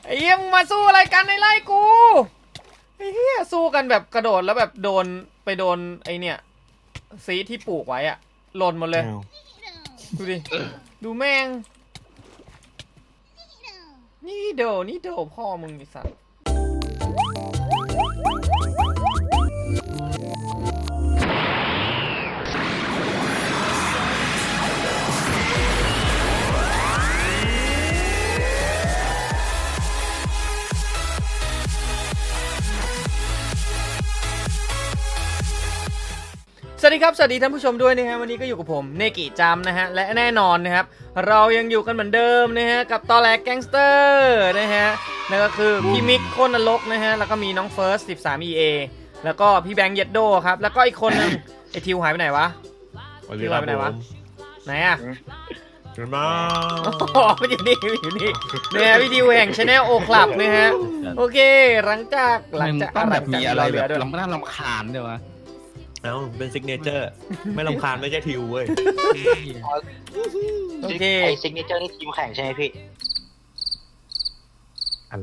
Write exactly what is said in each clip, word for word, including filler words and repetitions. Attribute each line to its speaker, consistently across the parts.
Speaker 1: ไอ้เหี้ยมึงมาสู้อะไรกันในไล่กูไอ้เหี้ยสู้กันแบบกระโดดแล้วแบบโดนไปโดนไอเนี่ยซีที่ปลูกไว้อะหล่นหมดเลยดูดิดูแม่งนี่โดนี่โดพ่อมึงไอ้สัสสวัสดีครับสวัสดีท่านผู้ชมด้วยนะฮะวันนี้ก็อยู่กับผมเนกิจามนะฮะและแน่นอนนะครับเรายังอยู่กันเหมือนเดิมนะฮะกับตอแหลกแก๊งสเตอร์นะฮะนั่นก็คือพี่มิกโคนนรกนะฮะแล้วก็มีน้องเฟิร์สสิบสาม อี เอ แล้วก็พี่แบงค์เยดโดครับแล้วก็อีกคนนึงไอทิวหายไปไหนวะทิวหายไปไหนวะไหนอะ
Speaker 2: เห็นมา
Speaker 1: อ๋อมันอยู่นี่อยู่นี่เนี่ยพี่ทิวแห่งชาแนลโอคลับนะฮะโอเคหลังจากหลังจาก
Speaker 3: แบบมีอะไรแบบลำน่ารำคาญเดี๋ยววะ
Speaker 2: เอ้าเป็นซิกเนเจอร์ไม่รำคาญไม่ใช่ทิวเว้ย
Speaker 1: โอเค
Speaker 4: ไอซิกเนเจอร์นี่ทีมแข่งใช่ไหมพี่
Speaker 2: อะไร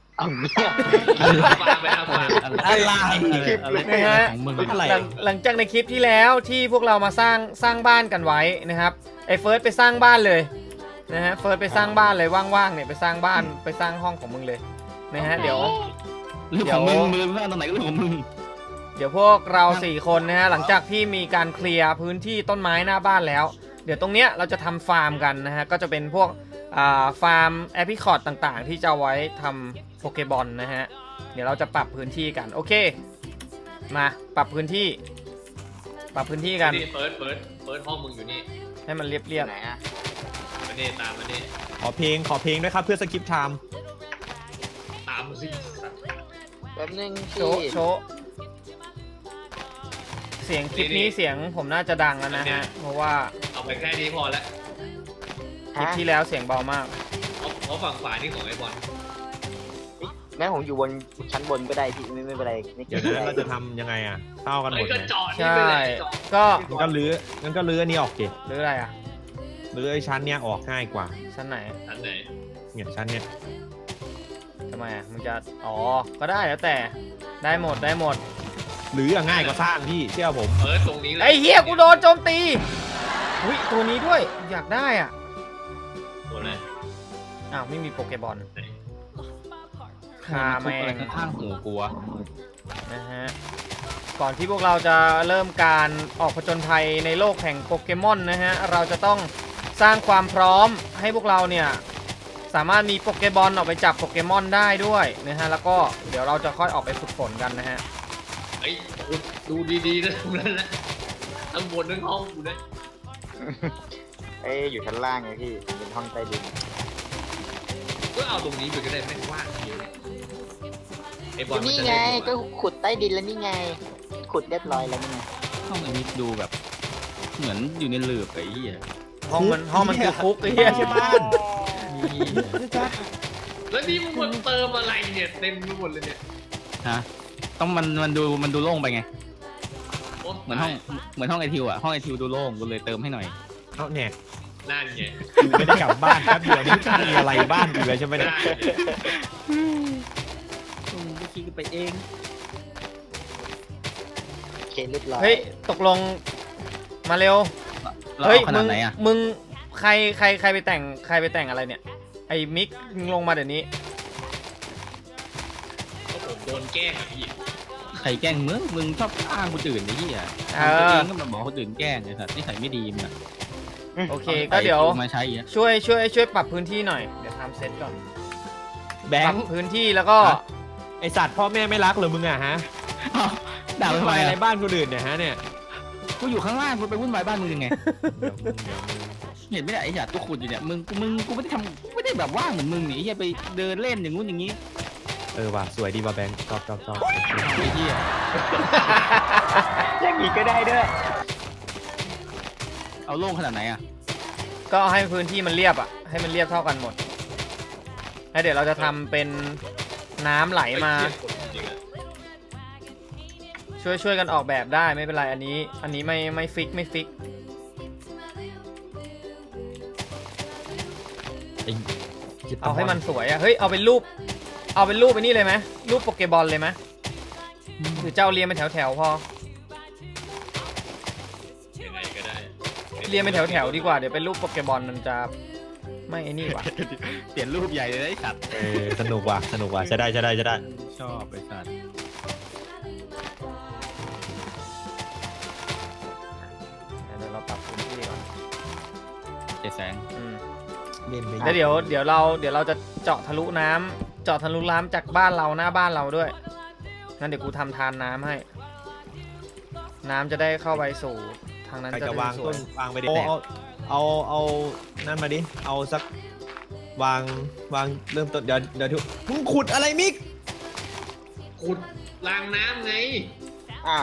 Speaker 1: อะไรนะฮะหลังจากในคลิปที่แล้วที่พวกเรามาสร้างสร้างบ้านกันไว้นะครับไอเฟิร์สไปสร้างบ้านเลยนะฮะเฟิร์สไปสร้างบ้านเลยว่างๆเนี่ยไปสร้างบ้านไปสร้างห้องของมึงเลยนะฮะเดี๋ยว
Speaker 3: เรื่องของมึงมึงสร้างตรงไหนก็เรื่องของมึง
Speaker 1: เดี๋ยวพวกเราสี่คนนะฮะหลังจากที่มีการเคลียร์พื้นที่ต้นไม้หน้าบ้านแล้วเดี๋ยวตรงเนี้ยเราจะทำฟาร์มกันนะฮะก็จะเป็นพวกฟาร์มแอปพลิคอร์ดต่างๆที่จะไว้ทำโปเกบอลนะฮะเดี๋ยวเราจะปรับพื้นที่กันโอเคมาปรับพื้นที่ปรับพื้นที่กัน
Speaker 5: นี่เปิดเปิดเปิดห้องมึงอยู่นี่
Speaker 1: ให้มันเรียบเรียบ
Speaker 4: ไหนอะ
Speaker 5: มาเน่ตามมาเน่
Speaker 2: ขอเพลงขอเพลงด้วยครับเพื่อสกิปไทม์
Speaker 5: ตามมาสิ
Speaker 4: แป๊บนึง
Speaker 1: โชว์โชว์เสียงคลิปนี้เสียงผมน่าจะดังแล้วนะฮะเพราะว่า
Speaker 5: เอาไปแค่นี้พอแล้ว
Speaker 1: คลิปที่แล้วเสียงเบามาก
Speaker 5: เพราะฝั่งฝ่ายนี่ของไอ้บอล
Speaker 4: แม่ผมอยู่บนชั้นบนก็ได้พี่ไม่ไม่เป็นไรไม่เกี่ยว
Speaker 2: เราจะทำยังไงอ่ะเท่ากันหมดเลย
Speaker 1: ใช่ก็
Speaker 2: งั้นก็ลื้องั้นก็ลื้ออันนี้ออกเก
Speaker 1: หรืออะไรอ่ะ
Speaker 2: ลื้อไอ้ชั้นเนี้ยออกง่ายกว่า
Speaker 1: ชั้นไหน
Speaker 5: ชั้นไหน
Speaker 2: เนี่ยชั้นเนี้ย
Speaker 1: ทำไมอ่ะมึงจะอ๋อก็ได้แล้วแต่ได้หมดได้หมด
Speaker 2: หรือง่ายกว่าสร้างพี่เชื่อผม
Speaker 5: เออตรงนี้เลย
Speaker 1: ไอ้เหี้ยกูโดนโจมตีอุ้ยตัวนี้ด้วยอยากได้อ่ะ
Speaker 5: ตัวอะไร
Speaker 1: อ้าวไม่มีโปเกบอลคาแมง
Speaker 3: ข้างหูกลัว
Speaker 1: นะฮะก่อนที่พวกเราจะเริ่มการออกผจญภัยในโลกแห่งโปเกมอนนะฮะเราจะต้องสร้างความพร้อมให้พวกเราเนี่ยสามารถมีโปเกบอลออกไปจับโปเกมอนได้ด้วยนะฮะแล้วก็เดี๋ยวเราจะค่อยออกไปฝึกฝนกันนะฮะ
Speaker 5: ไอ้ดูดีๆนะตรงนั้นแหละทั้งบนทั้งห้องกูนะ
Speaker 4: เอ้ยอยู่ชั้นล่างไงพี่เป็นห้องใต้ดิน
Speaker 5: ก็เอาตรงนี้ไปก็ได้ไม่ว่างเยอะไอ้บอล
Speaker 4: นี่ไงก็ขุดใต้ดินแล้วนี่ไงขุดเรียบร้อยแล้วนี่ไง
Speaker 3: ห้องอันนี้ดูแบบเหมือนอยู่ในหลืบไอ้เหี้ย
Speaker 1: ห้องมันห้องมันคือคุกไอ้เหี้ยใช่ไหม
Speaker 5: แล้วนี่มึงมาเติมอะไรเนี่ยเต็มไปหมดเลยเนี่ย
Speaker 3: ฮะต้องมันมันดูมันดูโล่งไปไงเหมือนห้องเหมือนห้องไอทิวอ่ะห้องไอทิวดูโล่งกูเลยเติมให้หน่อย
Speaker 2: เอาเนี่ย
Speaker 5: นั่นไง
Speaker 2: ไม่ได้กลับบ้านแป๊บเดียวนี่มีอะไรบ้านอยู่เลยใช่ไหมเนี่ย
Speaker 3: กูคิดไปเอง
Speaker 4: เคเรียบร้อย
Speaker 1: เฮ้ยตกลงมาเร็วเฮ้ยมึงมึงใครใครใครไปแต่งใครไปแต่งอะไรเนี่ยไอ้มิกมึงลงมาเดี๋ยวนี้
Speaker 5: ก็ผมโดนแกล้งอ่ะพี่
Speaker 3: ใครแกล้งมึงมึงชอบอ้างคนอื่นไอ้ที่อ่ะตัวเองก็มาบอกคนอื่นแกล้งไอ้สัตว์นี่ใส่ไม่ดีมึงอ่ะ
Speaker 1: โอเคก็เดี๋ยวช่วยช่วยช่วยปรับพื้นที่หน่อยเดี๋ยวทำเซตก่อน
Speaker 2: แบงค์
Speaker 1: พื้นที่แล้วก็
Speaker 2: ไอสัตว์พ่อแม่ไม่รักเหรอมึงอะฮะ
Speaker 3: ด่าทำไม
Speaker 2: อะไรบ้านคนอื่นเนี่ยฮะเนี่ย
Speaker 3: กูอยู่ข้างล่างกูไปวุ่นวายบ้านมึงยังไงเห็นไม่ได้ไอ้สัตว์กูขุดอยู่เนี่ยมึงมึงกูไม่ได้ทำไม่ได้แบบว่างเหมือนมึงนี่ไอ้ไปเดินเล่นอย่างงู้นอย่างงี้
Speaker 2: เออว่ะสวยดีว่ะแบงค์ชอบชอบชอบ
Speaker 3: ไอ้เหี้ย
Speaker 4: อย่างนี้ก็ได้ด้วย
Speaker 3: เอาโล่งขนาดไหนอ่ะ
Speaker 1: ก็ให้พื้นที่มันเรียบอ่ะให้มันเรียบเท่ากันหมดแล้วเดี๋ยวเราจะทำเป็นน้ำไหลมาช่วยช่วยกันออกแบบได้ไม่เป็นไรอันนี้อันนี้ไม่ไม่ฟิกไม่ฟิกเอาให้มันสวยอ่ะเฮ้ยเอาเป็นรูปเอาเป็นรูปไปนี่เลยไหมรูปโปเกบอลเลยไหมหรือเจ้าเรียงเป็นแถวๆพอ
Speaker 5: ยังไงก็ได้
Speaker 1: เรียงเป็นแถวๆดีกว่าเดี๋ยวเป็นรูปโปเกบอลมันจะไม่ไอ้นี่ว่ะ
Speaker 3: เปลี่ยนรูปใหญ่เลยไอ้สัตว์
Speaker 2: เออสนุกว่ะสนุกว่ะจะได้จะได้จะได้
Speaker 3: ชอบไอ้สัตว์
Speaker 1: เดี๋ยวเราปรับพื้นที่ก่อน
Speaker 3: เจ๊แสง
Speaker 1: อืม
Speaker 2: เล่นไป
Speaker 1: แล้วเดี๋ยวเดี๋ยวเราเดี๋ยวเราจะเจาะทะลุน้ำเจาะทะลุน้ำจากบ้านเราหน้าบ้านเราด้วยงั้นเดี๋ยวกูทำทานน้ำให้ น้ำจะได้เข้าไปสู่ทางนั้น
Speaker 2: ใคร
Speaker 1: จะ
Speaker 2: จะ
Speaker 1: ได้
Speaker 2: วาง
Speaker 1: สว
Speaker 2: ต้
Speaker 1: ย
Speaker 2: นวางไปดิเอาเอาเอานั่นมาดิเอาสักวางวางเริ่มต้นเดี๋ยวเดี๋ยวทุกมึงขุดอะไรมิก
Speaker 5: ขุดรางน้ำไง
Speaker 4: อ้าว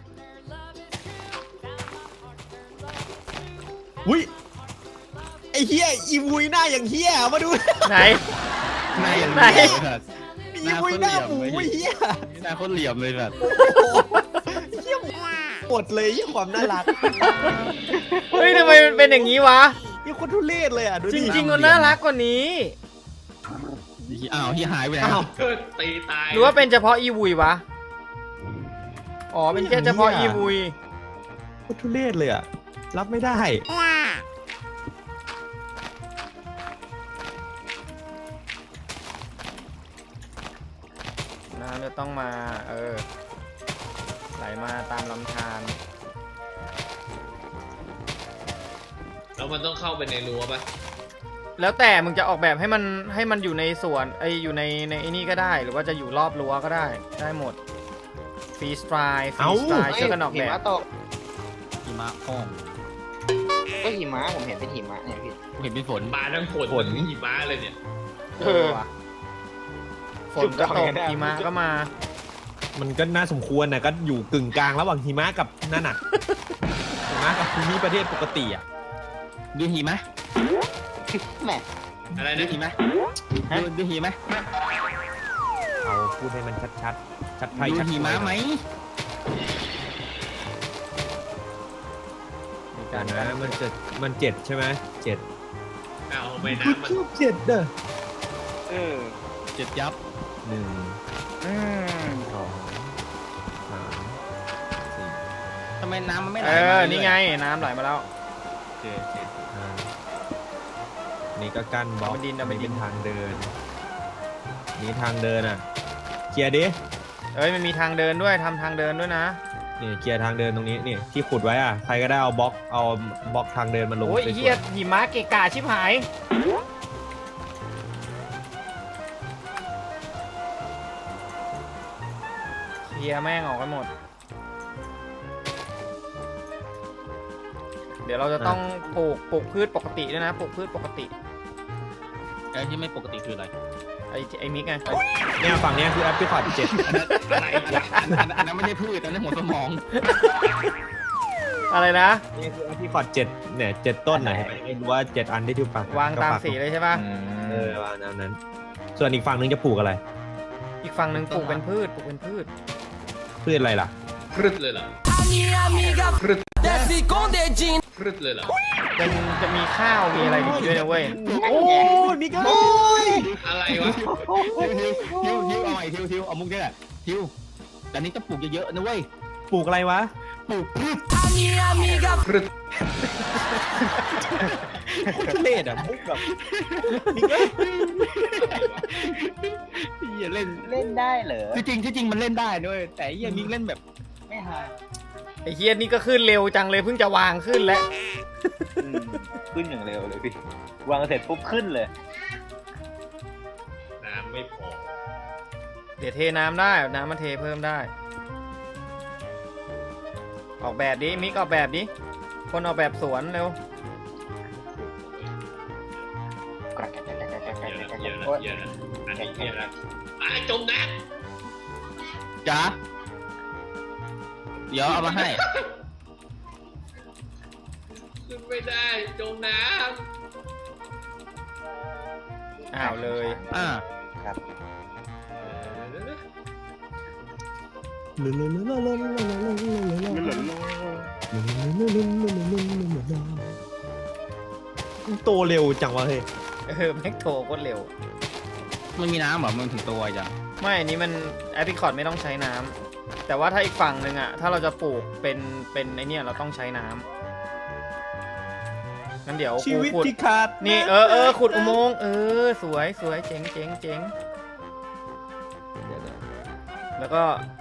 Speaker 2: อุ้ยไอ้เฮียอีวุยหน้าอย่างเฮียมาดู
Speaker 1: ไหน
Speaker 3: หน้าอย่าง
Speaker 1: ไหน
Speaker 3: เหลี่ยมเลยสัตว์
Speaker 2: อีวุยหน้าหมูไอ้เฮีย
Speaker 3: หน้าโคตรเหลี่ยมเลยสัตว์
Speaker 2: เฮียหมดเลยเฮียความน่ารัก
Speaker 1: เฮ้ยทำไมมันเป็นอย่างนี้วะ
Speaker 2: เฮียโคตรทุเรศเลยอ่ะดู
Speaker 1: จ
Speaker 2: ดิ
Speaker 1: ริงๆมันน่ารักกว่านี้
Speaker 3: อ้าวเฮียหายไปไหน
Speaker 2: อ้าว
Speaker 5: เกิดตีตาย
Speaker 1: หรือว่าเป็นเฉพาะอีวุยวะอ๋อเป็นแค่เฉพาะอีวุย
Speaker 2: โคตรทุเรศเลยอ่ะรับไม่ได้
Speaker 1: น้ำจะต้องมาเออไหลมาตามลำธาร
Speaker 5: แล้วมันต้องเข้าไปในรั้วปะ
Speaker 1: แล้วแต่มึงจะออกแบบให้มันให้มันอยู่ในสวนไออยู่ในในไอ้นี่ก็ได้ หรือว่าจะอยู่รอบรั้วก็ได้ได้หมดฟรีสไตล์ฟรีสไตล์ช่วยกันออก
Speaker 4: หิ
Speaker 1: แบบ
Speaker 4: มะตก
Speaker 3: หิมะห้อง
Speaker 4: ก็หิมะผมเห็นเป็นหิมะเนี่ยพี่
Speaker 3: เห็นเป็นฝน
Speaker 5: มาทั้งฝน
Speaker 2: ฝน
Speaker 5: ทั้งหิมะเลยเนี่ย
Speaker 4: เออ
Speaker 1: ว่ะฝนก็ตกหิมะก็มา
Speaker 2: มันก็น่าสมควรนะก็อยู่กึ่งกลางระหว่างหิมะกับนั่นน่ะหิมะกับภูมิประเทศปกติอ่ะ
Speaker 3: ดูหิมะ
Speaker 4: แหม
Speaker 5: อะไร
Speaker 3: ดู
Speaker 5: นะ
Speaker 3: หิมะดูดูหิมะ
Speaker 2: เอาพูดให้มันชัดๆชัดไทย
Speaker 3: ดู
Speaker 2: ชัด
Speaker 3: หิมะไหม
Speaker 1: มี
Speaker 2: กั
Speaker 1: กาน ร
Speaker 2: นะมันจะมันเจ็ดใช่ไหมเจ็ด
Speaker 5: เอาไปน้ำมัน
Speaker 2: ชอบเจ็ดเด้อ
Speaker 4: เออ
Speaker 3: เจ็ดยับ
Speaker 2: หนึ่ง
Speaker 4: อืม
Speaker 2: สองสามสี่
Speaker 3: ทำไมน้ำมันไม่ไหล
Speaker 1: เอ
Speaker 3: มา
Speaker 1: อ
Speaker 3: รื่ยๆ
Speaker 1: นี่ไงน้ำไหลมาแล้ว
Speaker 3: โอเคโอเค
Speaker 2: ห้านี่ก็กั้นบล็อก
Speaker 1: เอาเป็นดินเอาเป็นดิน
Speaker 2: เป็นทางเดิน นี่ทางเดินอ่ะเคลียร์ดิ
Speaker 1: เอ้ยมันมีทางเดินด้วยทำทางเดินด้วยนะ
Speaker 2: นี่เคลียร์ทางเดินตรงนี้นี่ที่ขุดไว้อ่ะใครก็ได้เอาบล็อกเอาบล็อกทางเดินมาลง
Speaker 1: โอ้ย
Speaker 2: สวๆ
Speaker 1: เฮียหิมะเกะกะชิบหายเคลียร์แม่งออกกันหมด เดี๋ยวเราจะต้องปลูกปลูกพืชปกติด้วยนะปลูกพืชปกติ
Speaker 3: ไอ้ที่ไม่ปกติคืออะไร
Speaker 1: ไอ้ไอ้มิกไง
Speaker 2: เนี่ยฝั่งเนี้ยคือแอปพลิคอร์ดเจ็ด
Speaker 5: อะไรวะ
Speaker 3: อันนั้นอันนั้นไม่ใช่พืชอันนั้นหัวสมอง
Speaker 1: อะไรนะ
Speaker 2: นี่คือแอปพลิคอร์ดเจ็ดเนี่ยเจ็ดต้นไหนไม่รู้ว่าเจ็ดอันที่ทิวปัก
Speaker 1: วางตาม
Speaker 2: ก็ปัก
Speaker 1: สีเลยใช่ป่ะ
Speaker 2: เออวางตามนั้น ส่วนอีกฝั่งนึงจะปลูกอะไร
Speaker 1: อีกฝั่งหนึ่งปลูกเป็นพืชปลูกเป็นพืช
Speaker 2: พืชอะไรล่ะ
Speaker 5: พรึดเลยเหรอพรึดพรึดเลยเหรอ
Speaker 1: เป็นจะมีข้าวมีอะไรอยู่ด้วยนะเว้ย
Speaker 2: โอ้นี่ก็
Speaker 5: อะไรวะ
Speaker 3: ทิวทิวทิวเอาใหม่ทิวทิวเอามุกนี่แหละทิวแต่นี้ต้องปลูกเยอะๆนะเว้ย
Speaker 2: ปลูกอะไรวะ
Speaker 3: ปลูกพืช
Speaker 5: พรึด
Speaker 2: ทุเรศอ่ะมุกแบบนี่ก็
Speaker 3: อย่าเล่น
Speaker 4: เล่นได้เหรอ
Speaker 3: ที่จริงที่จริงมันเล่นได้ด้วยแต่ไอ้เหี้ยมิกเล่นแบบ
Speaker 4: ไม่หา
Speaker 1: ไอ้เฮียนี่ก็ขึ้นเร็วจังเลยเพิ่งจะวางขึ้นแล้ว
Speaker 4: อืมขึ้นอย่างเร็วเลยพี่ วางเสร็จปุ๊บขึ้นเลย
Speaker 5: น้ำไม่พอ
Speaker 1: เดี๋ยวเทน้ำได้น้ำมาเทเพิ่มได้ ออกแบบดิมิกออกแบบดิคนออกแบบสวนเร็ว
Speaker 5: เยอะนะเยอะนะเยอะนะอันนี้เยอะนะไอ้จมน้
Speaker 3: จ๋าเดี๋ยวเอามาให้
Speaker 5: ำขึ้นไม่ได้จมน้
Speaker 1: อ้าวเลย
Speaker 3: อ่า
Speaker 2: โตเร็วจังวะเฮ้ย
Speaker 1: เออแม็กโทรโคตรเร็ว
Speaker 3: มันมีน้ำเหรอมันถึงตัวจ้ะ
Speaker 1: ไม่อันนี้มันแอปริคอตไม่ต้องใช้น้ำแต่ว่าถ้าอีกฝั่งหนึ่งอะถ้าเราจะปลูกเป็นเป็นไอเนี่ยเราต้องใช้น้ำงั้นเดี๋ยว
Speaker 2: ชี
Speaker 1: กู
Speaker 2: วิต
Speaker 1: ขุด
Speaker 2: ที่ขาด
Speaker 1: นี่เออเออขุดอุโมงค์เออสวยสวยเจ๋งเจ๋งเจ๋งเดี๋ยวๆแล้วก็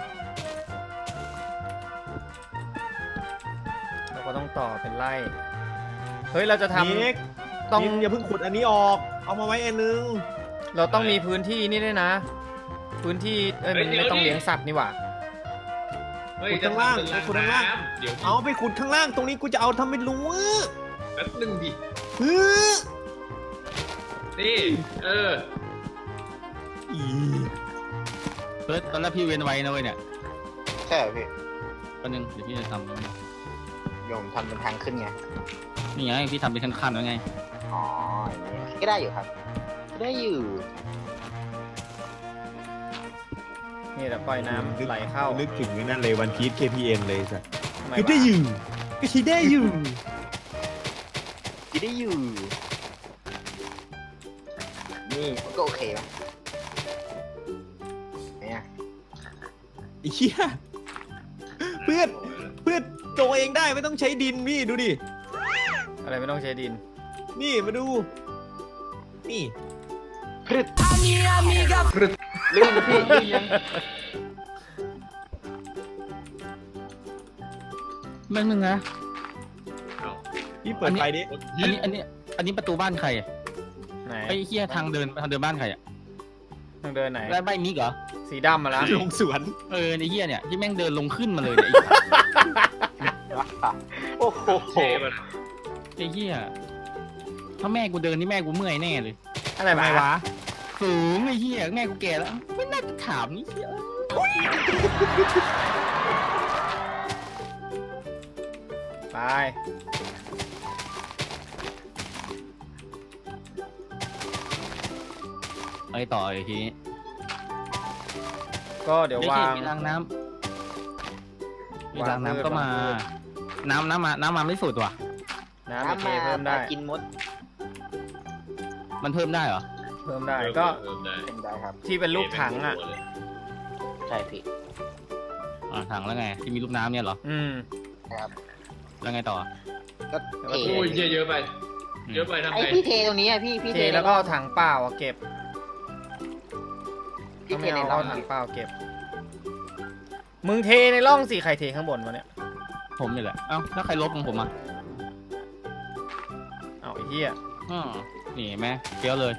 Speaker 1: เราก็ต้องต่อเป็นไร่เฮ้ยเราจะท
Speaker 2: นิก
Speaker 1: ำต้อง
Speaker 2: นิกอย่าเพิ่งขุดอันนี้ออก เอามาไว้อันนึง
Speaker 1: เราต้องมีพื้นที่นี่ด้วยนะ พื้นที่เอ้ยมันไม่ต้องเลี้ยงสัตว์นี่หว่า
Speaker 5: เฮ้ย
Speaker 2: ขุดข้างล่าง
Speaker 5: จะทำเป็น
Speaker 2: ขุดข้างล่าง
Speaker 5: น้ำเดี๋ยว
Speaker 2: เอาไปขุดข้างล่างตรงนี้กูจะเอาทำเป็นรั้ว
Speaker 5: แป๊บนึงดิ
Speaker 2: เฮ้อ
Speaker 5: นี่เออ
Speaker 2: อี
Speaker 3: เฮ้ยตอนแรกพี่เว้นไว้นะเว้ยเนี่ย
Speaker 4: ใช่เหรอพี่
Speaker 3: แป๊บนึงเดี๋ยวพี่จะทำ
Speaker 4: โยมทำเป็นทางขึ้นไง
Speaker 3: นี่ไงพี่ทำเป็นขั้นๆแล้วไง
Speaker 4: อ๋ออย่างนี้ก็ได้อยู่ครับก็ได้อยู่
Speaker 1: นี่เราปล่อยน้ำไหลเข้า
Speaker 2: นึกถึงไอ้นั่นเลยวันพีช เค พี เอ็น เลยสัส
Speaker 1: ทำไม
Speaker 2: ก็
Speaker 1: วะ
Speaker 2: ได้อยู่ก็ใช้ได้อยู่
Speaker 4: ก็ได้อยู่ นี่ก็โอเคไหมเนี่ย
Speaker 2: ไอ้เหี้ยเพื่อนเพื่อนโตเองได้ไม่ต้องใช้ดินพี่ดูดิ
Speaker 1: อะไรไม่ต้องใช้ดิน
Speaker 2: นี่มาดู นี่
Speaker 4: พรึดลื่นพี่ลื่นยัง
Speaker 3: แม่งนึงนะ
Speaker 5: เอา
Speaker 2: พี่เปิดไฟดิ
Speaker 3: อันนี้อันนี้อันนี้ประตูบ้านใครอะ
Speaker 1: ไหน
Speaker 3: ไอ้เหี้ยทางเดินทางเดินบ้านใครอะ
Speaker 1: ทางเดินไหน
Speaker 3: บ้านบ้านมิกเหรอ
Speaker 1: สีดำมาแล้ว
Speaker 2: ลงสวน
Speaker 3: เออไอ้เหี้ยเนี่ยที่แม่งเดินลงขึ้นมาเลยเนี่ย
Speaker 4: โอ้โห
Speaker 5: เชฟอะนะ
Speaker 3: ไอ้เหี้ยถ้าแม่กูเดินนี่แม่กูเมื่อยแน่เลย
Speaker 1: อะไร
Speaker 2: ทำไม
Speaker 1: วะ
Speaker 2: วะ
Speaker 3: สูงไอ้เหี้ยแม่กูแก่แล้วไม่น่าจะถามนี่เหี้ย
Speaker 1: ไป
Speaker 3: ไปต่ออีกทีนี้
Speaker 1: ก็เดี๋ยววาง
Speaker 3: มีรางน้ำมีราง
Speaker 1: วางพืช
Speaker 3: น้ำก็มา
Speaker 1: วางพืช
Speaker 3: น้ำน้ำมาน้ำมาไม่สุดว่ะ
Speaker 1: น้ำโอ
Speaker 4: น้ำ
Speaker 1: เค
Speaker 4: มา
Speaker 1: เพิ่มได้
Speaker 4: กินมด
Speaker 3: มันเพิ่มได้เหรอ
Speaker 1: เพิ่มได้ก็
Speaker 5: เออได้
Speaker 4: เป็นได้ครับ
Speaker 1: ที่เป็นรูปถังอ่ะ
Speaker 4: ใช่พี่
Speaker 3: อ่าถังแล้วไงที่มีลูกน้ำเนี่ยเหรอ
Speaker 1: อืม
Speaker 4: นะครับ
Speaker 3: แล้วไงต่อ
Speaker 4: ก็เท
Speaker 5: โอ้ยเยอะเยอะไป เยอะไปทำ
Speaker 4: ไอ
Speaker 5: ไง
Speaker 4: พี่เทตรงนี้อะพี่พี่
Speaker 1: เทแล้วก็เอาถังเปล่าอะเก็บ
Speaker 4: พี่
Speaker 1: ถ้า
Speaker 4: เท
Speaker 1: ไม่
Speaker 4: ใน
Speaker 1: เอา
Speaker 4: ร่อ
Speaker 1: เอา
Speaker 4: ง
Speaker 1: ถังเปล่าเก็บ มึงเทในร่องสิใครเทข้างบนวะเนี่ย
Speaker 3: ผมนี่แหละเอ้าแล้วใครลบของผมอ่ะ
Speaker 1: เอาไอ้เหี้ย
Speaker 3: อ๋อนี่เห็นไหมเกี้ยวเลย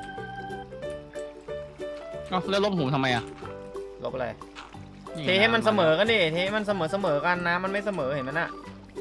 Speaker 3: เอ้าแล้วลบผมทำไมอ่ะ
Speaker 1: ลบอะไร
Speaker 3: นี่
Speaker 1: เทให้มันเสมอกันดิ เทให้มันเสมอเสมอกันนะ มันไม่เสมอเห็นไหมน่ะ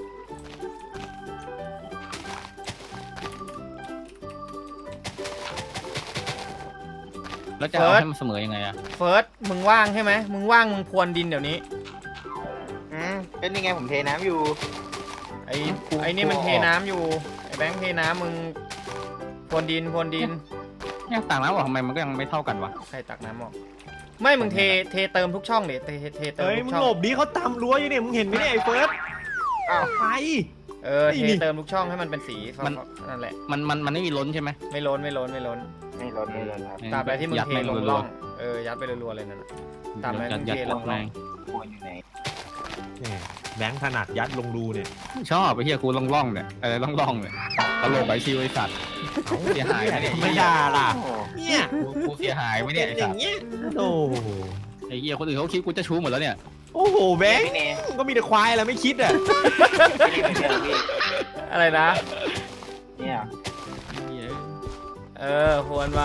Speaker 3: แล้วจะเอาให้มันเสมอยังไงอ่ะ
Speaker 1: เฟิร์ส มึงว่างใช่ไหม มึงว่างมึงพรวนดินเดี๋ยวนี้
Speaker 4: อืมเป็นยังไงผมเทน้ำอยู่
Speaker 1: ไอ้ไอ้นี่มันเทน้ำอยู่ ไอ้แบงค์เทน้ำมึงพรวนดินพรวนดิน
Speaker 3: เนี่ยต่างน้ำบอกทำไมมันก็ยังไม่เท่ากันวะ
Speaker 1: ใครตักน้ำออก ไม่ มึงเท เทเติมทุกช่องดิเทเทเทเติม
Speaker 2: เฮ้ย
Speaker 1: ทุ
Speaker 2: มึ
Speaker 1: ก
Speaker 2: ง
Speaker 1: ช่อง
Speaker 2: หลบดิเขาตำรั้วอยู่เนี่ยมึงเห็นไหมเนี่ยไอ้เฟิร์ส
Speaker 4: อ้าว
Speaker 2: ไป
Speaker 1: เออ
Speaker 2: ไอ้
Speaker 1: เท
Speaker 2: นี่
Speaker 1: เติมทุกช่องให้มันเป็นสีฟ้าๆนั่นแหละ
Speaker 3: มันมันมันไม่มีล้นใช่ไหม
Speaker 1: ไม่ล้นไม่ล้นไม่ล้น
Speaker 4: ไม่ร้อนไม่ร้อนครับ
Speaker 1: ตราบใดที่มึง
Speaker 3: ยัด
Speaker 1: เท
Speaker 3: แม่ง
Speaker 1: ลง
Speaker 3: รั
Speaker 1: ร่
Speaker 3: ว
Speaker 1: อง เออ ยัดไปรัวๆเลยนั่นน่ะ
Speaker 3: ๆ
Speaker 1: ตามนั้น
Speaker 3: ยัดยัด
Speaker 1: เทล
Speaker 3: ยั
Speaker 1: ง
Speaker 3: ด
Speaker 1: ร่อง
Speaker 3: แม่ง
Speaker 4: ควรอยู่ไหน
Speaker 2: แหมแบงค์ถนัดยัดลงรูเนี่ย
Speaker 3: ชอบไปเฮียกูล่องล่องๆเนี่ยอะไรล่องล่องๆเนี่ยตลกไอชิวไอสัตว์เสียหายไหมเนี่ย
Speaker 2: ไม่ด่าล่ะ
Speaker 4: โอ้
Speaker 2: เนี่ย
Speaker 3: กูกูเสียหายไหม
Speaker 2: เป็
Speaker 3: เนี่ย
Speaker 2: น
Speaker 3: ไอ
Speaker 2: อ
Speaker 3: สั
Speaker 2: ย่า
Speaker 3: ต
Speaker 2: ง
Speaker 3: ว์
Speaker 2: เงี้ยโอ้
Speaker 3: ไอเฮียคนอื่นเขาคิดกูจะชู้หมดแล้วเนี่ย
Speaker 2: โอ้โหแบงค์
Speaker 4: พี่เน
Speaker 2: ก็มีแต่ควายแหละไม่คิดอ่ะ
Speaker 4: พี่เนพี่พี่
Speaker 1: อะไรนะ
Speaker 4: เนี่ย
Speaker 3: เหี้ย
Speaker 1: เออพรวนไป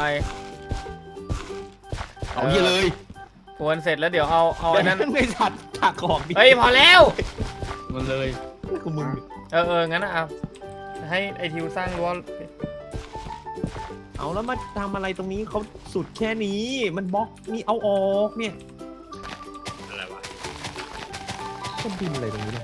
Speaker 3: เอาเฮียเลย
Speaker 1: พรวนเสร็จแล้วเดี๋ยวเอาเอา
Speaker 2: แบ
Speaker 1: อั
Speaker 2: ง
Speaker 1: นนั้น
Speaker 2: ค์ไม่สัตว์ถักของดิ
Speaker 1: เฮ้ยพอแล้ว
Speaker 3: มันเลย
Speaker 2: กูมึง
Speaker 1: เออเอองั้นนะเอาให้ไอทิวสร้างรั้ว
Speaker 2: เอาแล้วมาทำอะไรตรงนี้เขาสุดแค่นี้มันบล็อกนี่เอาออกเนี่ย
Speaker 5: อะไรวะ
Speaker 2: ก็ดินอะไรตรงนี้เนี่ย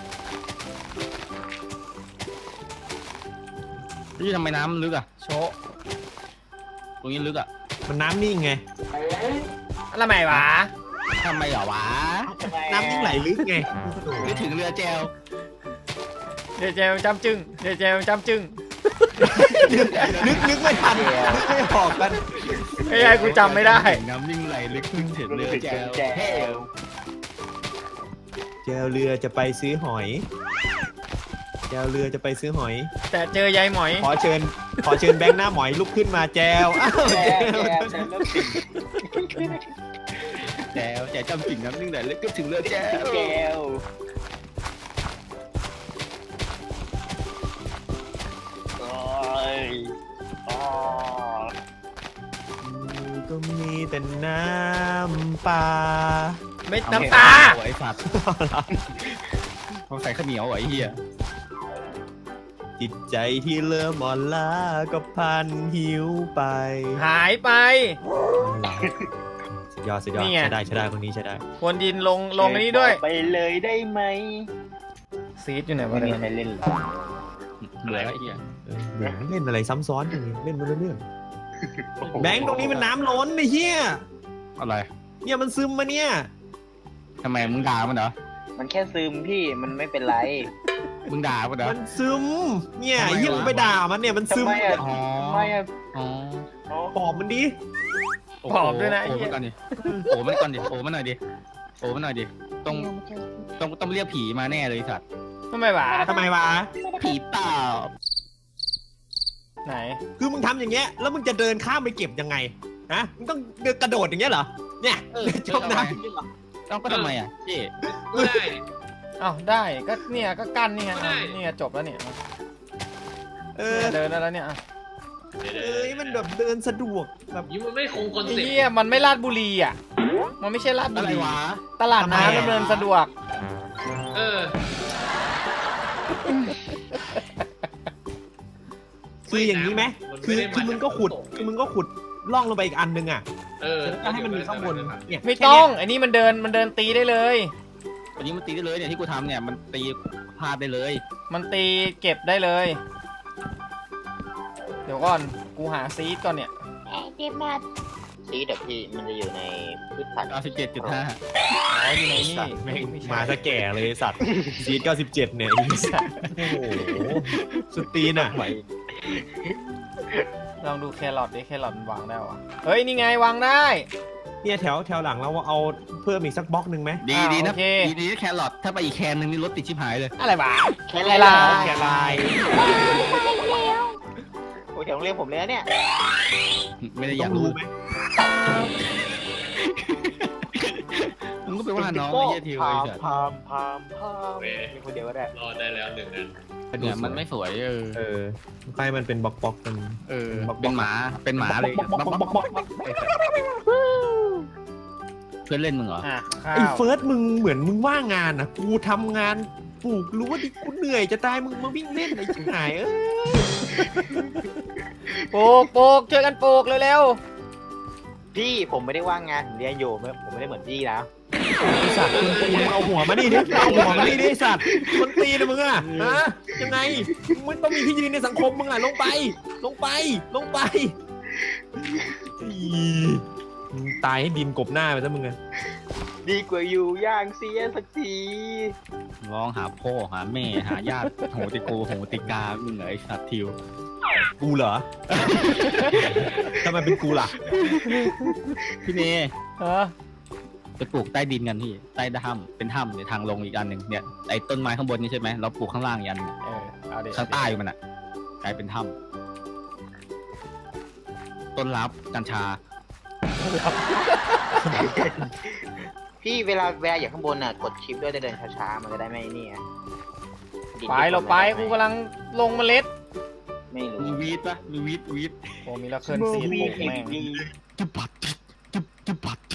Speaker 3: นี่ทำไมน้ำมันลึกอ่ะ
Speaker 1: โชะ
Speaker 3: ตรงนี้ลึกอ่ะ
Speaker 2: มันน้ำนิ่งไง
Speaker 1: อะไรใหม่วะ
Speaker 3: ทำไมเหรอวะ
Speaker 2: น้ำนิ่งไหลลึกไง
Speaker 3: นึกถึงเรือแจว
Speaker 1: เดี๋ยวเจมจำจึงเดี๋ยวเจมจำจึง
Speaker 2: นึกนึกไม่ทันนึกไม่ออกกัน
Speaker 1: ไอ้ไอ้กูจำไม่ได้
Speaker 3: น้ำนิ่งไหลลึกขึ้นถึงเรือแจว
Speaker 4: แจว
Speaker 2: แจวเรือจะไปซื้อหอยแจวเรือจะไปซื้อหอย
Speaker 1: แต่เจอยายหมอย
Speaker 2: ขอเชิญ ขอเชิญแบงค์หน้าหมอยลุกขึ้นมาแจวอ้าว
Speaker 4: แจ
Speaker 2: แจ
Speaker 4: ว
Speaker 2: ว
Speaker 4: แจวแจวเริ่มติด
Speaker 3: แจวแจวจำสิ่งน้ำนิ่งไหลลึกขึ้นถึงเรือแจว
Speaker 4: แจวโอ้ยอ๋อ
Speaker 2: ก็มีแต่น้ำปลา
Speaker 1: ไม่น้ำตา
Speaker 3: ไอ้สัตว์เขาใส่ข้าวเหนียวไอ้เหี้ย
Speaker 2: จิตใจที่เริ่มอ่อนล้าก็พันหิวไป
Speaker 1: หายไป
Speaker 2: สุดยอดสุดยอด
Speaker 1: นี่ไง
Speaker 2: ใช้ได้ใช้ได้คนนี้ใช้ได้
Speaker 1: ควรดินลงลงอันนี้ด้วย
Speaker 4: ไปเลยได้ไหม
Speaker 1: ซีดอยู่ไหนวะ
Speaker 4: ไม่
Speaker 1: เนี่ย
Speaker 4: มีใครเล่นหรอ
Speaker 3: เหลือไอ้เหี้ย
Speaker 2: เออเหมือนเล่นอะไรซ้ำซ้อนอย่างนี้เล่นมาเรื่อยๆแบงค์ตรงนี้มันน้ำล้นไอ้เหี้ย
Speaker 3: อะไร
Speaker 2: เนี่ยมันซึมมาเนี่ย
Speaker 3: ทำไมมึงด่ามันเหรอ
Speaker 4: มันแค่ซึมพี่มันไม่เป็นไร
Speaker 3: มึงด่ามันเหรอ
Speaker 2: มันซึมเนี่ย
Speaker 3: ทำไม
Speaker 2: ไอ้เหี้ยว
Speaker 3: ะ
Speaker 2: มึงไปด่ามันเนี่ยมันซึม
Speaker 4: ทำไมอะ
Speaker 3: อ๋อ
Speaker 4: ไม่อะ
Speaker 3: อ๋อ
Speaker 4: อ๋อ
Speaker 2: ปอบมันดิ
Speaker 1: ผอมด้วยนะไอ้
Speaker 3: โอ้
Speaker 1: เหี้
Speaker 3: มัน
Speaker 1: ย
Speaker 3: ก่อนดิโอ้มันก่อนดิโอ้มันหน่อยดิโอ้มันหน่อยดิต้องต้องต้องเรียกผีมาแน่เลยไอ้สัตว์
Speaker 1: ทำไมวะ
Speaker 2: ทำไมวะ
Speaker 3: ผีเปล่า
Speaker 1: ไหน
Speaker 2: คือมึงทำอย่างเงี้ยแล้วมึงจะเดินข้ามไปเก็บยังไงฮะมึงต้องเดินกระโดดอย่างเงี้ยเหรอเนี่ย
Speaker 3: เออ
Speaker 2: จมน้ำอย่างเงี้ยเหรอ
Speaker 3: ต้องก็ทำไมอ่ะเจ๊
Speaker 5: ก็ได้
Speaker 1: เอ้าได้ก็เนี่ยก็กั้นนี่ไง
Speaker 5: ได้
Speaker 1: อ่ะนี่ไงจบแล้วเนี่ย
Speaker 2: เออ
Speaker 1: เนี่ยเดินได้แล้วเนี่ยอ่ะ
Speaker 2: เอ้ยมันแบบเดินสะดวกแบบ
Speaker 5: ยิ้มมันไม่คงคอน
Speaker 1: ไอ้
Speaker 5: เซ็ปต์
Speaker 1: เหี้ยมันไม่ลาดบุรีอ่ะมันไม่ใช่ลาดบุ
Speaker 3: อะไร
Speaker 1: รี
Speaker 3: วะ
Speaker 1: ตลาด
Speaker 2: ทำไม
Speaker 1: น้ำ
Speaker 2: อ่ะ
Speaker 1: ดำเนินสะดวก
Speaker 5: เออ
Speaker 2: คืออย่างนี้ไหม
Speaker 5: มัน
Speaker 2: คือ
Speaker 5: ไได้
Speaker 2: คือมึงก็ขุด
Speaker 5: าจาก
Speaker 2: คือมึงก็ขุดล่องลงไปอีกอันนึงอ่ะ
Speaker 5: เออ
Speaker 2: แล้วก็ให้มันมีข้างบนเนี่ย
Speaker 1: ไม่ต้องไอ้นี่มันเดินมันเดินตีได้เลย
Speaker 3: วันนี้มันตีได้เลยเนี่ยที่กูทำเนี่ยมันตีพลาดได้เลย
Speaker 1: มันตีเก็บได้เลย เดี๋ยวก่อนกูหาซีดก่อนเนี่ย
Speaker 4: เก็บมาซีดอะพี่มันจะอยู่ในพืชผัก
Speaker 3: เก้าสิบเจ็ดจุดห้า
Speaker 1: อ๋ออยู่ในนี่
Speaker 2: สัตว์แม่ง
Speaker 1: ไม่ใช่
Speaker 2: มาซะแก่เลยสัตว์ซีดเก้าสิบเจ็ดเนี่ยไอ้สัตว์โอ้โหสุดตีนอ่ะ
Speaker 1: ลองดูแครอทดิแครอทมันวางได้วะเฮ้ยนี่ไงวางได้
Speaker 2: เนี่ยแถวแถวหลังเราเอาเพิ่มอีกสักบล็อกหนึ่งไหม
Speaker 3: ดี
Speaker 1: อ่า
Speaker 3: ดีนะ
Speaker 1: โอเค
Speaker 3: ดีดีนะแครอทถ้าไปอีกแคนนึงนี่รถติดชิบหายเลย
Speaker 1: อะไรวะ
Speaker 4: แค่
Speaker 1: แค
Speaker 4: ไร
Speaker 1: รอ
Speaker 4: ล่ะ
Speaker 1: ท
Speaker 2: แคลาย
Speaker 4: โอ้ยแถวโรงเรียนผมเลยนะเนี่ย
Speaker 3: ไม่ได้อ
Speaker 2: ต้
Speaker 3: ยา
Speaker 2: อก ง
Speaker 3: รู้
Speaker 2: รู้ไหม
Speaker 3: มึงก็ไปว่าน้องไอ้เหี้ยทิวไอ้สัตว์
Speaker 4: พามพามพาม
Speaker 5: เว้ย
Speaker 4: มีคนเดียวก็ได้
Speaker 5: รอดได้แล้วหนึ่งนั้น
Speaker 3: เนี่ยมันไม่สวยเออ
Speaker 2: เออใครมันเป็นบล็อกบล็อกกัน
Speaker 3: เออเป็นหมาเป็นหมาเลย
Speaker 2: บล็อกบล็อกบล็อกบล็อกบล็อก
Speaker 3: เพื่อนเล่นมึงเหรอ
Speaker 1: อ่ะข้า
Speaker 2: ไอ้
Speaker 1: ว
Speaker 2: เฟิร์สมึงเหมือนมึงว่างงานอ่ะกูทำงานปลูกรู้ว่าดิกูเหนื่อยจะตายมึงมาวิ่งเล่นไอ้ชิบหายเอ้ย
Speaker 1: ปลูกปลูกช่วยกันปลูกเร็ว
Speaker 4: พี่ผมไม่ได้ว่างงานผมเรียนอยู่ไม่ผมไม่ได้เหมือนพี่นะ
Speaker 2: ไอ้สัตว์คนตีนมึงเอาหัวมานี่ดิเอาหัวมานี่ดิไอ้สัตว์คนตีนนะมึงอ่ะฮะยังไงมึงไม่ต้องมีที่ยืนในสังคมมึงอ่ะลงไป ลงไปลงไปอีมึงตายให้ดินกบหน้าไปซะมึงอ่ะ
Speaker 4: ดีกว่าอยู่ย่างเสียสักที
Speaker 3: ร้องหาพ่อหาแม่หาญาติโหติโกโหติกามึงเหรอไอ้สัตว์ทิว
Speaker 2: กูเหรอ ทำไมเป็นกูล่ะ
Speaker 3: พี่เนย
Speaker 1: ๆเออ
Speaker 3: ไปปลูกใต้ดินกันพี่ใต้ถ้ำเป็นถ้ำเนี่ยทางลงอีกอันหนึ่งเนี่ยไอ้ต้นไม้ข้างบนนี่ใช่ไหมเราปลูกข้างล่างอีกอันหนึ่ง
Speaker 1: เออเอาดิ
Speaker 3: ข้างใต้มันอ่ะกลายเป็นถ้ำต้นรับกัญชา
Speaker 4: พี่เวลาเวลาอยู่ข้างบนน่ะกดชิปด้วยจะเดินช้าๆมันจะได้ไม่นี่ไงดิน
Speaker 1: ไปเราไปกูกำลังลงเมล็ด
Speaker 4: ไม่รู้
Speaker 3: มีวีดปะมีวีดวีด
Speaker 1: โอ้มีละเคลื่อนซีดปลูกแม่ง
Speaker 3: จุบปัดจุบจุบปัด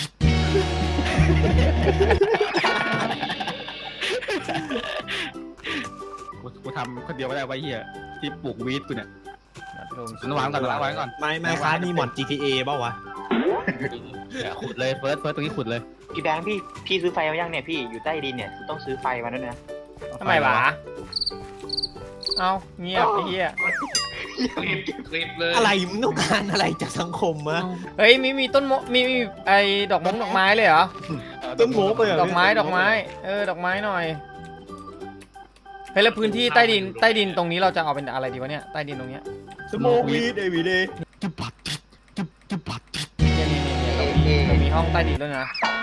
Speaker 3: กูกูทำคนเดียวไม่ได้ไว้เฮียที่ปลูกวีดกูเนี่ย
Speaker 1: นัดลง
Speaker 3: ระวังก่อนระวังก่อน
Speaker 2: ไม่ไม่ค้ามีหมอน จี ที เอ เปล่าวะ
Speaker 3: เนี่ยขุดเลยเฟิร์สเฟิร์สตรงนี้ขุดเลย
Speaker 4: พี่แบงค์พี่พี่ซื้อไฟมายังเนี่ยพี่อยู่ใต้ดินเนี่ยต้องซื้อไฟมาด้วยนะ
Speaker 1: ทำไมวะเอาเงียบไอ้เหี้ย
Speaker 5: คลิปคลิปเลย
Speaker 2: อะไรมึงต้องการอะไรจากสังคมมะ
Speaker 1: เฮ้ยมีมีต้นมะมีมีไอ้ดอกมงดอกไม้เลยเหรอ
Speaker 2: ต้นโมกเลยเหร
Speaker 1: ดอกไม้ดอกไม้เออดอกไม้หน่อยเฮ้ยแล้วพื้นที่ใต้ดินใต้ดินตรงนี้เราจะเอาเป็นอะไรดีวะเนี่ยใต้ดินตรงเนี้ย
Speaker 2: สโมกวีดเอวีเดย์
Speaker 3: จุบปัดจุบจุบปัด
Speaker 1: เนี่ยเนี่ยเนี่ยเรามีเรามีห้องใต้ดินด้วยนะ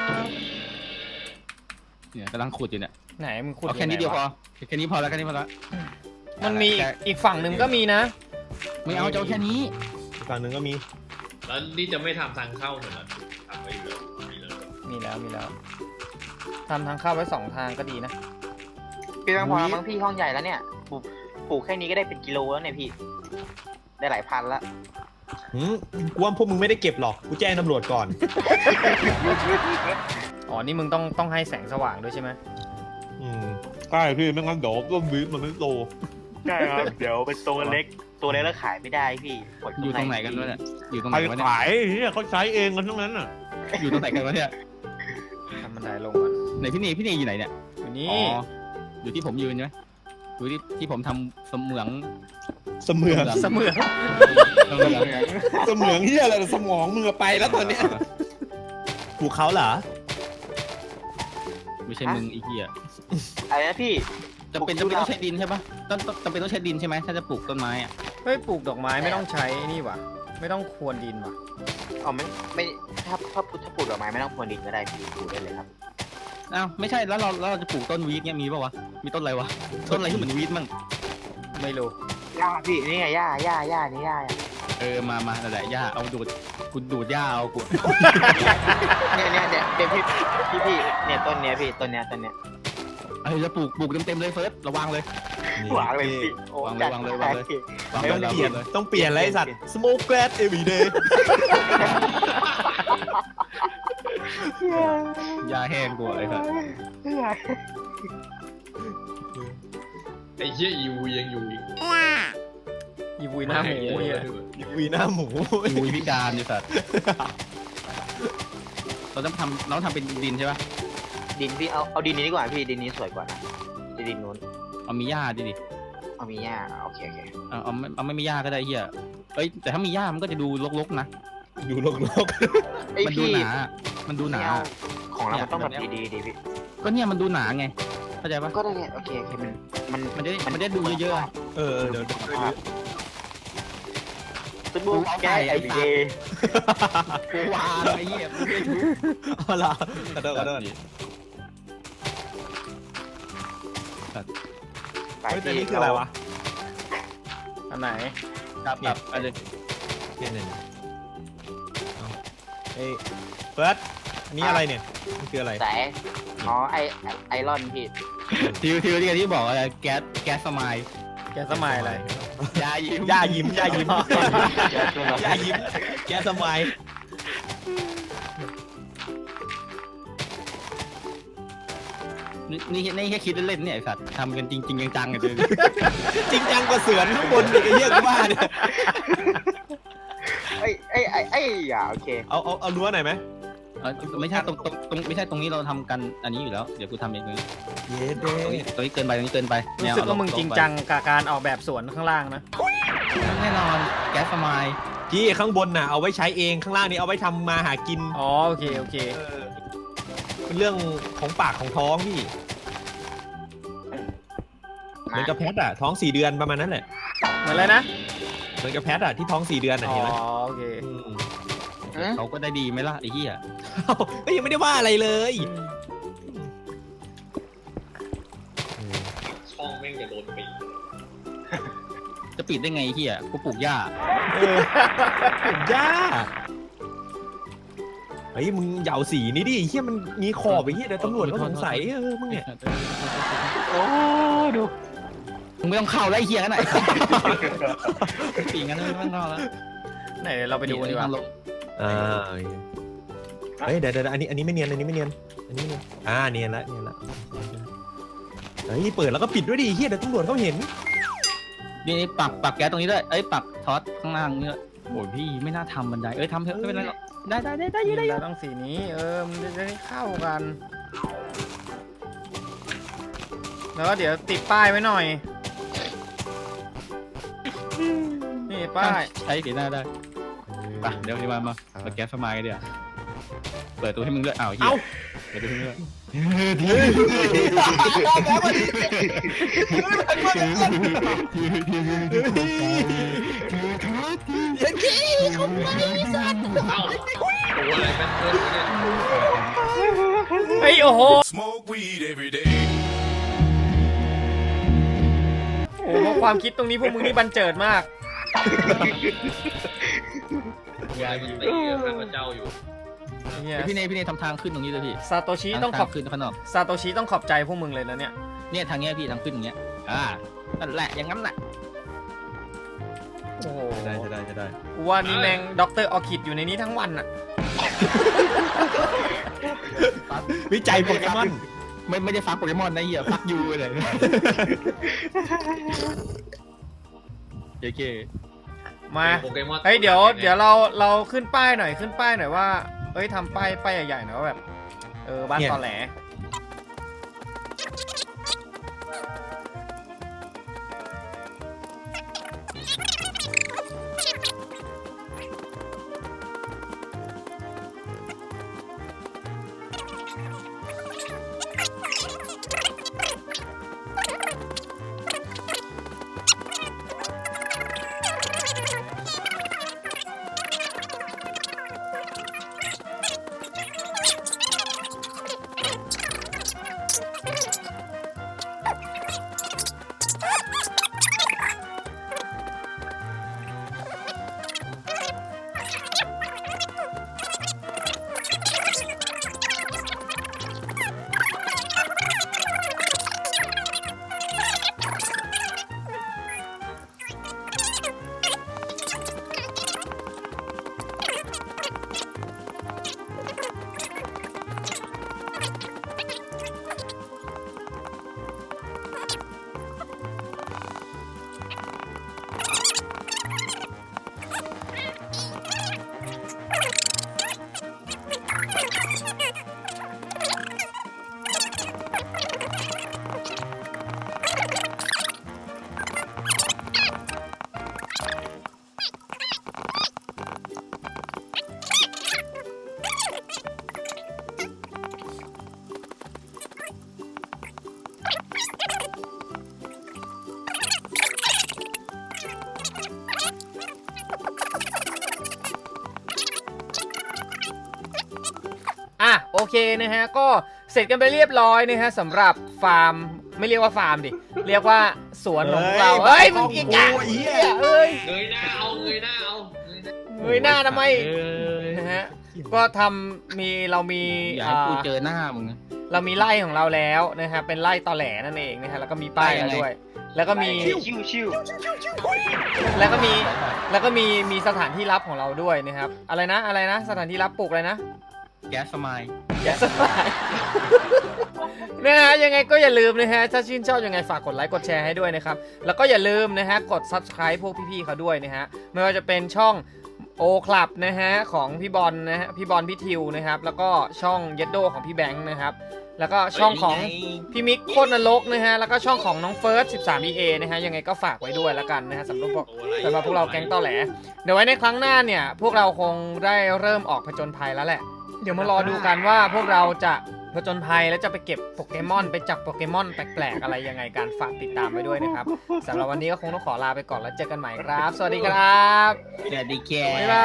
Speaker 3: เนี่ยกำลังขุดอยู่เนี่ย
Speaker 1: ไหนมึงขุด
Speaker 3: เอาแค่นี้
Speaker 1: งไง
Speaker 3: เดียวพ
Speaker 1: วะ
Speaker 3: อแค่นี้พอแล้วแค่นี้พอแล้ว
Speaker 1: มันมีอีกอีกฝั่งหนึ่งก็มีนะ
Speaker 3: ไม่เอาเจ้าแค่นี้
Speaker 2: อีกฝั่งหนึ่งก็มี
Speaker 5: แล้วนี่จะไม่ทำทางเข้าเหมือนกันทำไปอยู่แล้วมีแล้ว
Speaker 1: มีแล้วมีแล้วทำทางเข้าไว้สองทางก็ดีนะ
Speaker 4: พี่บางพอแล้วมั้งพี่ห้องใหญ่แล้วเนี่ยปลูกปลูกแค่นี้ก็ได้เป็นกิโลแล้วเนี่ยพี่ ได้หลายพันละ
Speaker 2: หืมกูว่าพวกมึงไม่ได้เก็บหรอกกูแจ้งตำรวจก่อน
Speaker 1: อ๋อนี่มึงต้องต้องให้แสงสว่างด้วยใช่ไหม
Speaker 2: อืมใช่พี่ไม่งั้นเดี๋ยวต้นวีดมันไม่โต
Speaker 4: ใช่ครับเดี๋ยวเป็นตัวเล็กตัวเล็กแล้วขายไม่ได้พี่
Speaker 3: อยู่ตรงไหนกันวะเนี่ยอยู่ตรงไห
Speaker 2: ใคร
Speaker 3: นวะเนี่ย
Speaker 2: ขายเนี่ยเขาใช้เองกันทั้งนั้นอ่ะ
Speaker 3: อยู่ตรงไหนกันวะเนี่ย
Speaker 1: ทำบันไดลงก่อน
Speaker 3: ไหนพี่เนยพี่เนยอยู่ไหนเนี่ย
Speaker 1: อยู่นี่
Speaker 3: อ๋ออยู่ที่ผมยืนใช่ไหมอยู่ที่ที่ผมทำเสมือง
Speaker 2: เสมือง
Speaker 1: เสมือน
Speaker 3: เสมือง
Speaker 2: เสมืองเฮียอะไรสมองมึงไปแล้วตอนเนี้ยกูเขาเหรอ
Speaker 3: ไม่ใช่มึงอีเหี้ย
Speaker 4: อะไรนะพี่
Speaker 3: จำเป็นจำเป็นต้องใช้ดินใช่ปะต้องต้องจำเป็นต้องใช้ดินใช่ไหมถ้าจะปลูกต้นไม้อะ
Speaker 1: เฮ้ยปลูกดอกไม้ไม่ต้องใช้นี่ว่ะไม่ต้องควนดินว่ะ
Speaker 4: อ๋อไม่ไม่ถ้าถ้าถ้าปลูกดอกไม้ไม่ต้องพรวนดินก็ได้พี่ปลูกได้เลยครับ
Speaker 3: อ้าวไม่ใช่แล้วเราแล้วเราจะปลูกต้นวีดเนี่ยมีปะวะมีต้นอะไรวะต้นอะไรที่เหมือนวีดมั่ง
Speaker 1: ไม่รู้
Speaker 4: หญ้าพี่นี่ไงหญ้าหญ้าหญ้านี่หญ้า
Speaker 3: เออมามานั่นแหละหญ้าเอาดูดกูดูดหญ้าเอากู
Speaker 4: เนี่ยเนี่ยเนี่ยเดี๋ยวพี่พี่พี่เนี่ยต้นเนี้ยพี่ต้นเนี้ยต้นเนี้ย
Speaker 3: เออจะปลูกปลูกเต็มเต็มๆเลยเฟิร์สระวังเลย
Speaker 4: หวางเลยพี่โอ้
Speaker 3: วางเลย
Speaker 4: จัด
Speaker 3: วางเลยวางเลย
Speaker 4: พี่
Speaker 3: วาง
Speaker 2: ต้
Speaker 3: เล
Speaker 2: อง
Speaker 3: ย
Speaker 2: เปลี่ยน
Speaker 3: เลย
Speaker 2: ต้องเปลี่ยนอะไรไอ้สัตว์ smoke glass every day
Speaker 3: หญ้าแห้งกูไอ้สัส
Speaker 5: ไอ้เหี้ยอีวูยังอยู่อีก
Speaker 1: อีวุยหน้าหมูเหี้ย
Speaker 2: วีหน้าหมู
Speaker 3: กูพิการไอ้สัสเราต้องทำเราต้องทำเป็นดินใช่ปะ
Speaker 4: ดินพี่เอาเอาดินนี้ดีกว่าพี่ดินนี้สวยกว่านะดินนู้น
Speaker 3: เอามีหญ้าดิดิ
Speaker 4: เอามีหญ้าโอเคโอเค
Speaker 3: เอาเอาไม่เอาไม่มีหญ้าก็ได้เฮียเอ้ยแต่ถ้ามีหญ้ามันก็จะดูรกๆนะ
Speaker 2: ดูโลก
Speaker 4: ไอย
Speaker 3: มันดู
Speaker 4: พี่
Speaker 3: หนามันดูหนา
Speaker 4: ไม่เอาของเรา
Speaker 3: เนี่ย
Speaker 4: มันต้องแบบ
Speaker 3: แบบเนี้ย
Speaker 4: ดีๆดีพี่
Speaker 3: ก็เนี่ยมันดูหนาไงเข้าใจปะ
Speaker 4: ก็ได้ไงโอเคโอเคมันมัน
Speaker 3: มันจะได้มันจะได้ดูเยอะๆอะ
Speaker 2: ๆเออเออเดี๋ยวเดี๋ยว
Speaker 4: สบู่แก้ไอเดย์
Speaker 3: กูวางไอ้เหี้ยกูไม่ถูก
Speaker 2: เอาละขอโทษขอโทษ
Speaker 4: ไป
Speaker 2: เฮ้ยแต่
Speaker 4: พี่
Speaker 2: นี่คืออะไรวะ
Speaker 1: อันไหน
Speaker 3: ครับครับอะไร
Speaker 2: เนี่ยเนี่ยเนี่ยเอาเอ้ยเฟิร์สอันนี้อะไรเนี่ยมันคืออะไร
Speaker 4: สายอ๋อไอไอรอนพี่
Speaker 3: ทิวทิวที่ที่บอกอะไรแก๊สแก๊สสมาย
Speaker 1: แกสมัยอะไร
Speaker 3: ยายิ้ม
Speaker 2: ย่ายิ้มย่ายิ้มย่ายิ้มแกสมัย
Speaker 3: นี่นี่นี่แค่คิดเล่นๆเนี่ยไอ้สัตว์ทำกันจริงๆจังๆกันเลย
Speaker 2: จริงจังกว่าเสือนข้างบนอีกไอ้เหี้ยกูว่าเนี่ย
Speaker 4: ไอไอไอไออย่าโอเค
Speaker 2: เอาเอาเอารั้วหน่อยไหม
Speaker 3: เออไม่ใช่ตรงตรงตรงไม่ใช่ตรงนี้เราทำกันอันนี้อยู่แล้วเดี๋ยวกูทำเองตรงนี้
Speaker 2: เย้เด้
Speaker 3: ตรงนี้ตรงนี้เกินไปตรงนี้เกินไป
Speaker 1: รู้สึกว่ามึงจริงจังกับการออกแบบสวนข้างล่างนะ
Speaker 3: แน่นอนแก๊สสมาย
Speaker 2: จี้ข้างบนน่ะเอาไว้ใช้เองข้างล่างนี้เอาไว้ทำมาหากิน
Speaker 1: อ๋อโอเคโอเค
Speaker 2: เออเป็นเรื่องของปากของท้องพี่เหมือนกับแพทอะท้องสี่เดือนประมาณนั้นแหละ
Speaker 1: เหมือนอะไรนะ
Speaker 2: เหมือนกับแพทอะที่ท้องสี่เดือนอะ
Speaker 1: อ๋อ
Speaker 2: เห็นไหม
Speaker 1: โอเค
Speaker 2: ม
Speaker 3: เขาก็ได้ดีไหมล่ะไอ้เหี้ย
Speaker 2: เอ้าก็ยังไม่ได้ว่าอะไรเลย
Speaker 5: ช่องแม่งจะโดนปีก
Speaker 3: จะปิดได้ไงไอ้เหี้ยกูปลูกหญ้า
Speaker 2: เออย่าเฮ้ยมึงเหยาสีนี้ดิเฮียมันมีขอบไอ้เฮียเดี๋ยวตำรวจก็สงสัยเออมึงเนี่ย
Speaker 4: โอ้ดู
Speaker 3: มึงไม่ต้องเข้าแล้วไอ้เหี้ยกันไหนปีงั้นไม่ต้องเข้าแล้ว
Speaker 1: ไหนเดี๋ยวเราไปดูดีกว่า
Speaker 2: อ่าเฮ้ยเดี๋ยวเดี๋ยวอันนี้อันนี้ไม่เนียนอันนี้ไม่เนียนอันนี้ไม่เนียนอ่าเนียนละเนียนละเฮ้ยเปิดแล้วก็ปิดด้วยดิเฮียเดี๋ยวตำรวจเขาเห็น
Speaker 3: นี่นี่ปักปักแก๊สตรงนี้ด้วยเอ้ยปักท็อตข้างล่างนี่ด้วยโอ้ยพี่ไม่น่าทำบันไดเอ้ยทำเถอะไม่เป็นไรหรอกได้ได้ได้ได้ได้
Speaker 1: เราต้องสีนี้ เออ มันจะได้เข้ากัน แล้วก็เดี๋ยวติดป้ายไว้หน่อย นี่ป้าย
Speaker 3: ใช้สีหน้าได้ไปเดี๋ยวนี้มามาปักแก๊สสมายกันเดี๋ยวเปิดตัวให้มึงด้วยอ้าวเฮีย
Speaker 2: เอ้า
Speaker 3: เปิดตัวให้มึงด้วย
Speaker 2: ยันขี้เขาไป
Speaker 5: เอ้าตัวอะไรแม่งเพิ่มเนี่ย
Speaker 1: เฮ้ยโอ้โห
Speaker 6: Smoke weed every day.
Speaker 1: โอ้โหความคิดตรงนี้พวกมึงนี่บันเจิดมาก
Speaker 5: ตัวอะไรมันตีกับข้าพเจ้าอยู่
Speaker 1: เนี่ย
Speaker 3: พี่เนยพี่เนยทำทางขึ้นตรงนี้เลยพี่
Speaker 1: ซาโตชิต้องขอบ
Speaker 3: ทาขึ้นข้างนอก
Speaker 1: ซาโตชิต้องขอบใจพวกมึงเลยนะเนี่ย
Speaker 3: เนี่ยทางเนี้ยพี่ทางขึ้นอย่างเงี้ยอ่านั่นแหละอย่างนั้นแหละ
Speaker 1: โอ้โห
Speaker 2: จะได้จะได้จะได้
Speaker 1: กูว่านี่แมงด็อกเตอร์ออคิดอยู่ในนี้ทั้งวันอะ
Speaker 2: วิจัยโปเกมอน
Speaker 3: ไม่ไม่ได้ฟักโปเกมอนนะเหี้ยฟักยูเลยโอเค
Speaker 1: มา
Speaker 5: โปเกมอน
Speaker 1: เฮ้ยเดี๋ยวเดี๋ยวเราเราขึ้นป้ายหน่อยขึ้นป้ายหน่อยว่าเอ้ยทำป้ายป้ายใหญ่ๆหน่อยว่าแบบเออบ้านตอแหล อ่ะโอเคนะฮะก็เสร็จกันไปเรียบร้อยนะฮะสำหรับฟาร์มไม่เรียกว่าฟาร์มดิเรียกว่าสวนของเรา
Speaker 2: เฮ้
Speaker 1: เฮ้ย
Speaker 2: ย
Speaker 1: มึงอีก
Speaker 2: โอ้
Speaker 1: อ่ะ
Speaker 2: โหเหี้ย
Speaker 1: เอ้ย
Speaker 5: เงยหน้าเอาเงยหน้าเอาเงยหน้า
Speaker 1: เงยหน้าทำไม
Speaker 3: เออ
Speaker 1: นะฮะก็ทำมีเรามี
Speaker 3: อย่าให้กู
Speaker 1: อ่า
Speaker 3: เจอหน้ามึงนะ
Speaker 1: เรามีไร่ของเราแล้วนะฮะเป็นไร่ตอแหลนั่นเองนะฮะแล้วก็มีป้าย
Speaker 3: ไร่ยั
Speaker 1: มาง
Speaker 3: ไง
Speaker 1: ด้วย แล้วก็มี
Speaker 4: ชิวชิวชิว
Speaker 1: แล้วก็มีแล้วก็มีมีสถานที่ลับของเราด้วยนะครับอะไรนะอะไรนะสถานที่ลับปลูกอะไรนะ
Speaker 3: แก๊สสมาย
Speaker 1: แกสบาย นะฮะยังไงก็อย่าลืมนะฮะถ้าชื่นชอบยังไงฝากกดไลค์กดแชร์ให้ด้วยนะครับแล้วก็อย่าลืมนะฮะกด ซับสไครบ์ พวกพี่ๆเขาด้วยนะฮะไม่ว่าจะเป็นช่องโอคลับนะฮะของพี่บอลนะฮะพี่บอลพี่ทิวนะครับแล้วก็ช่องเยดโดของพี่แบงค์นะครับแล้วก็ช่องของพี่มิกโคตรนรกนะฮะแล้วก็ช่องของน้องเฟิร์ส สิบสาม อี เอ นะฮะยังไงก็ฝากไว้ด้วยแล้วกันนะฮะสำหรับพวก สำหรับพวกเราแก๊งตอแหล เดี๋ยวไว้ในครั้งหน้าเนี่ย พวกเราคงได้เริ่มออกผจญภัยแล้วแหละ เดี๋ยวมารอดูกันว่าพวกเราจะผจญภัยแล้วจะไปเก็บโปเกมอนไปจับโปเกมอนแปลกๆอะไรยังไงการฝากติดตามไปด้วยนะครับสำหรับวันนี้ก็คงต้องขอลาไปก่อนแล้วเจอกันใหม่ครับ สวัสดีครับ
Speaker 3: สวัสดีแก
Speaker 1: บ๊ายบาย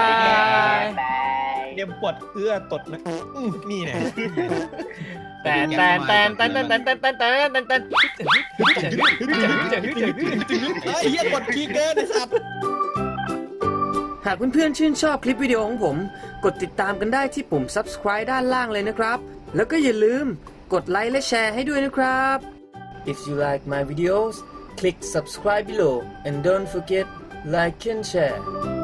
Speaker 4: บาย
Speaker 2: เดี๋ยวปวดเอื้อตดนะอื้อนี่เนี่ย
Speaker 1: แต่แต่แต่แต่แต่แต่แต่แต่แต่แต่แต่
Speaker 2: เฮ้ยเหี้ยกดคีย์เกินไอ้สัตว์
Speaker 7: หากเพื่อนๆชื่นชอบคลิปวิดีโอของผม กดติดตามกันได้ที่ปุ่ม ซับสไครบ์ ด้านล่างเลยนะครับ แล้วก็อย่าลืมกดไลค์และแชร์ให้ด้วยนะครับ If you like my videos click subscribe below and don't forget like and share